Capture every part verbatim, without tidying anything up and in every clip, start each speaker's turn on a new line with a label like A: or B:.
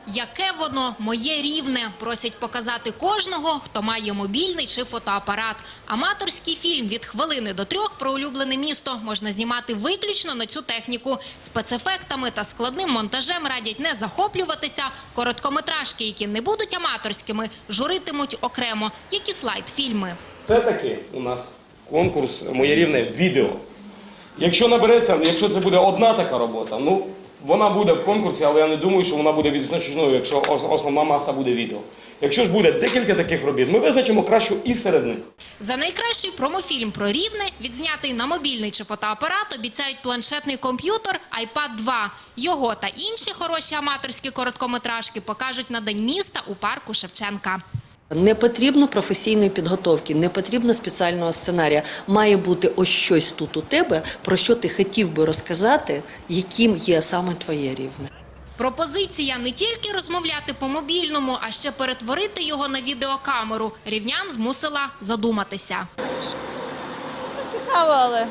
A: Яке воно моє рівне, просять показати кожного, хто має мобільний чи фотоапарат. Аматорський фільм від хвилини до трьох про улюблене місто можна знімати виключно на цю техніку. Спецефектами та складним монтажем радять не захоплюватися. Короткометражки, які не будуть аматорськими, журитимуть окремо, як і слайд-фільми.
B: Це таки у нас конкурс «Моє рівне відео». Якщо набереться, якщо це буде одна така робота, ну, вона буде в конкурсі, але я не думаю, що вона буде відзначеною, якщо основна маса буде відео. Якщо ж буде декілька таких робіт, ми визначимо кращу і серед них.
A: За найкращий промофільм про Рівне, відзнятий на мобільний чи фотоапарат, обіцяють планшетний комп'ютер айпад два. Його та інші хороші аматорські короткометражки покажуть на День міста у парку Шевченка.
C: Не потрібно професійної підготовки, не потрібно спеціального сценарія. Має бути ось щось тут у тебе, про що ти хотів би розказати, яким є саме твоє рівне.
A: Пропозиція не тільки розмовляти по мобільному, а ще перетворити його на відеокамеру. Рівнян змусила задуматися.
D: Цікаво, але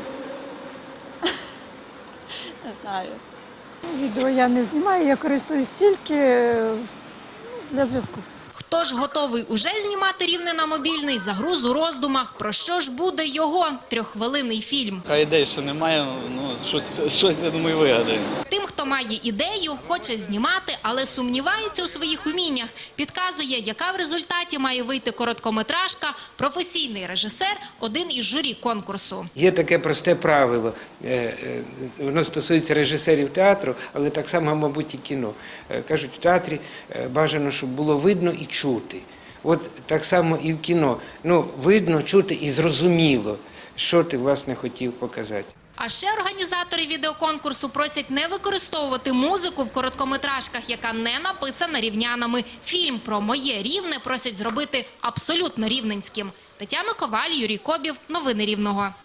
D: не знаю.
E: Відео я не знімаю, я користуюсь тільки для зв'язку.
A: Хто ж готовий уже знімати Рівне на мобільний, загруз у роздумах, про що ж буде його трьоххвилинний фільм.
F: А ідей ще немає, ну, щось, щось, я думаю, вигадаємо.
A: Тим, хто має ідею, хоче знімати, але сумнівається у своїх уміннях, підказує, яка в результаті має вийти короткометражка, професійний режисер, один із журі конкурсу.
G: Є таке просте правило, воно стосується режисерів театру, але так само, мабуть, і кіно. Кажуть, в театрі бажано, щоб було видно і чути. От так само і в кіно. Ну, видно, чути і зрозуміло, що ти, власне, хотів показати.
A: А ще організатори відеоконкурсу просять не використовувати музику в короткометражках, яка не написана рівнянами. Фільм про моє Рівне просять зробити абсолютно рівненським. Тетяна Коваль, Юрій Кобів. Новини Рівного.